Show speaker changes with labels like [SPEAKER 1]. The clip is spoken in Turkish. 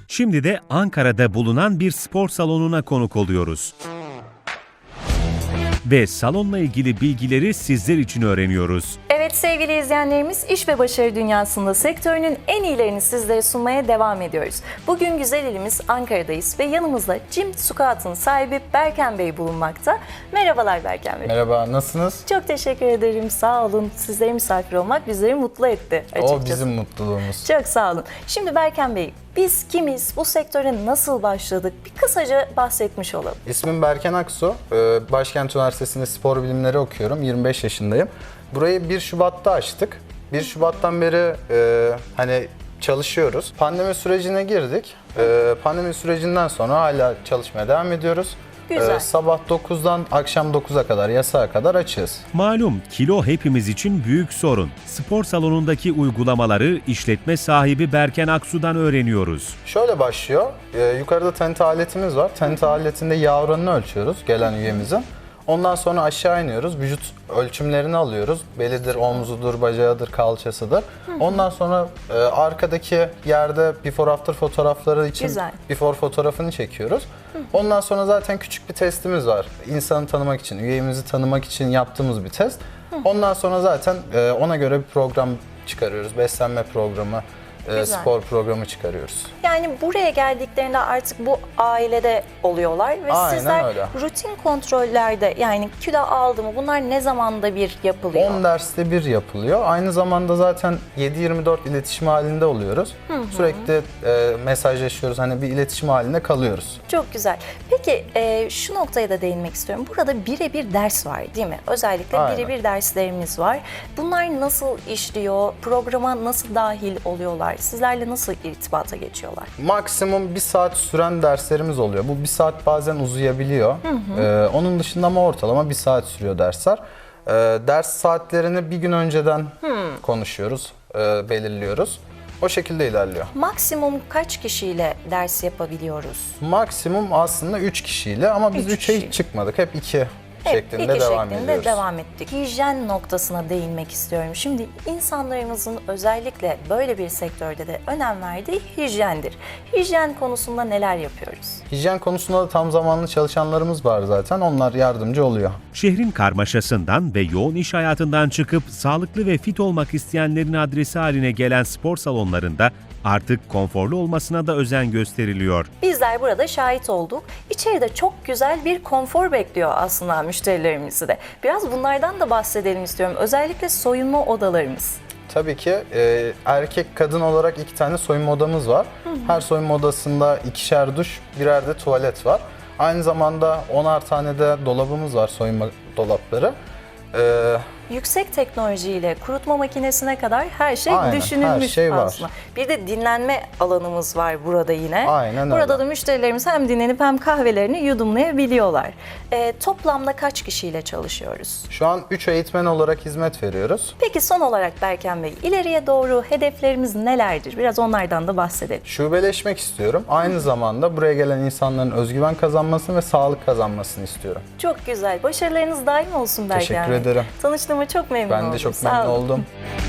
[SPEAKER 1] Şimdi de Ankara'da bulunan bir spor salonuna konuk oluyoruz. Ve salonla ilgili bilgileri sizler için öğreniyoruz.
[SPEAKER 2] Evet sevgili izleyenlerimiz, iş ve başarı dünyasında sektörünün en iyilerini sizlere sunmaya devam ediyoruz. Bugün güzel ilimiz Ankara'dayız ve yanımızda Gym Squat'ın sahibi Berken Bey bulunmakta. Merhabalar Berken Bey.
[SPEAKER 3] Merhaba, nasılsınız?
[SPEAKER 2] Çok teşekkür ederim, sağ olun. Sizlere misafir olmak bizleri mutlu etti açıkçası.
[SPEAKER 3] O bizim mutluluğumuz.
[SPEAKER 2] Çok sağ olun. Şimdi Berken Bey, biz kimiz, bu sektöre nasıl başladık? Bir kısaca bahsetmiş olalım.
[SPEAKER 3] İsmim Berken Aksu. Başkent Üniversitesi'nde spor bilimleri okuyorum. 25 yaşındayım. Burayı 1 Şubat'ta açtık. 1 Şubat'tan beri hani çalışıyoruz. Pandemi sürecine girdik. Pandemi sürecinden sonra hala çalışmaya devam ediyoruz.
[SPEAKER 2] Güzel.
[SPEAKER 3] Sabah 9'dan akşam 9'a kadar, yasağa kadar açığız.
[SPEAKER 1] Malum kilo hepimiz için büyük sorun. Spor salonundaki uygulamaları işletme sahibi Berken Aksu'dan öğreniyoruz.
[SPEAKER 3] Şöyle başlıyor. Yukarıda TENT aletimiz var. TENT aletinde yağ oranını ölçüyoruz gelen üyemizin. Ondan sonra aşağı iniyoruz. Vücut ölçümlerini alıyoruz. Belidir, omzudur, bacağıdır, kalçasıdır. Ondan sonra arkadaki yerde before after fotoğrafları için
[SPEAKER 2] Güzel.
[SPEAKER 3] before fotoğrafını çekiyoruz. Ondan sonra zaten küçük bir testimiz var. İnsanı tanımak için, üyemizi tanımak için yaptığımız bir test. Ondan sonra zaten ona göre bir program çıkarıyoruz. Beslenme programı, spor programı çıkarıyoruz.
[SPEAKER 2] Yani buraya geldiklerinde artık bu ailede oluyorlar ve
[SPEAKER 3] Aynen
[SPEAKER 2] sizler
[SPEAKER 3] öyle.
[SPEAKER 2] rutin kontrollerde, yani kilo aldı mı, bunlar ne zamanda bir yapılıyor?
[SPEAKER 3] 10 derste bir yapılıyor. Aynı zamanda zaten 7/24 iletişim halinde oluyoruz. Sürekli mesajlaşıyoruz. Hani bir iletişim halinde kalıyoruz.
[SPEAKER 2] Çok güzel. Peki şu noktaya da değinmek istiyorum. Burada birebir ders var değil mi? Özellikle
[SPEAKER 3] Aynen.
[SPEAKER 2] birebir derslerimiz var. Bunlar nasıl işliyor? Programa nasıl dahil oluyorlar? Sizlerle nasıl irtibata geçiyorlar?
[SPEAKER 3] Maksimum 1 saat süren derslerimiz oluyor. Bu 1 saat bazen uzayabiliyor. Onun dışında ama ortalama 1 saat sürüyor dersler. Ders saatlerini bir gün önceden konuşuyoruz, belirliyoruz. O şekilde ilerliyor.
[SPEAKER 2] Maksimum kaç kişiyle ders yapabiliyoruz?
[SPEAKER 3] Maksimum aslında 3 kişiyle ama biz
[SPEAKER 2] Üç
[SPEAKER 3] 3'e
[SPEAKER 2] kişi.
[SPEAKER 3] hiç çıkmadık. Hep 2 şeklinde
[SPEAKER 2] iki
[SPEAKER 3] devam
[SPEAKER 2] şeklinde
[SPEAKER 3] ediyoruz.
[SPEAKER 2] devam ettik. Hijyen noktasına değinmek istiyorum. Şimdi insanlarımızın özellikle böyle bir sektörde de önem verdiği hijyendir. Hijyen konusunda neler yapıyoruz?
[SPEAKER 3] Hijyen konusunda da tam zamanlı çalışanlarımız var zaten. Onlar yardımcı oluyor.
[SPEAKER 1] Şehrin karmaşasından ve yoğun iş hayatından çıkıp sağlıklı ve fit olmak isteyenlerin adresi haline gelen spor salonlarında artık konforlu olmasına da özen gösteriliyor.
[SPEAKER 2] Bizler burada şahit olduk. İçeride çok güzel bir konfor bekliyor aslında müşterilerimizi de. Biraz bunlardan da bahsedelim istiyorum. Özellikle soyunma odalarımız.
[SPEAKER 3] Tabii ki erkek kadın olarak 2 tane soyunma odamız var. Her soyunma odasında 2'şer duş, birer de tuvalet var. Aynı zamanda 10'ar tane de dolabımız var, soyunma dolapları.
[SPEAKER 2] Yüksek teknolojiyle kurutma makinesine kadar her şey
[SPEAKER 3] Aynen,
[SPEAKER 2] düşünülmüş
[SPEAKER 3] her şey var.
[SPEAKER 2] aslında. Bir de dinlenme alanımız var burada yine.
[SPEAKER 3] Aynen
[SPEAKER 2] Burada
[SPEAKER 3] öyle.
[SPEAKER 2] da müşterilerimiz hem dinlenip hem kahvelerini yudumlayabiliyorlar. Toplamda kaç kişiyle çalışıyoruz?
[SPEAKER 3] Şu an 3 eğitmen olarak hizmet veriyoruz.
[SPEAKER 2] Peki son olarak Berken Bey, ileriye doğru hedeflerimiz nelerdir? Biraz onlardan da bahsedelim.
[SPEAKER 3] Şubeleşmek istiyorum. Aynı zamanda buraya gelen insanların özgüven kazanmasını ve sağlık kazanmasını istiyorum.
[SPEAKER 2] Çok güzel. Başarılarınız daim olsun Berken
[SPEAKER 3] Teşekkür
[SPEAKER 2] Bey.
[SPEAKER 3] ederim.
[SPEAKER 2] Tanıştığıma çok memnun oldum.
[SPEAKER 3] Ben de çok
[SPEAKER 2] Sağ
[SPEAKER 3] memnun
[SPEAKER 2] olun.
[SPEAKER 3] oldum.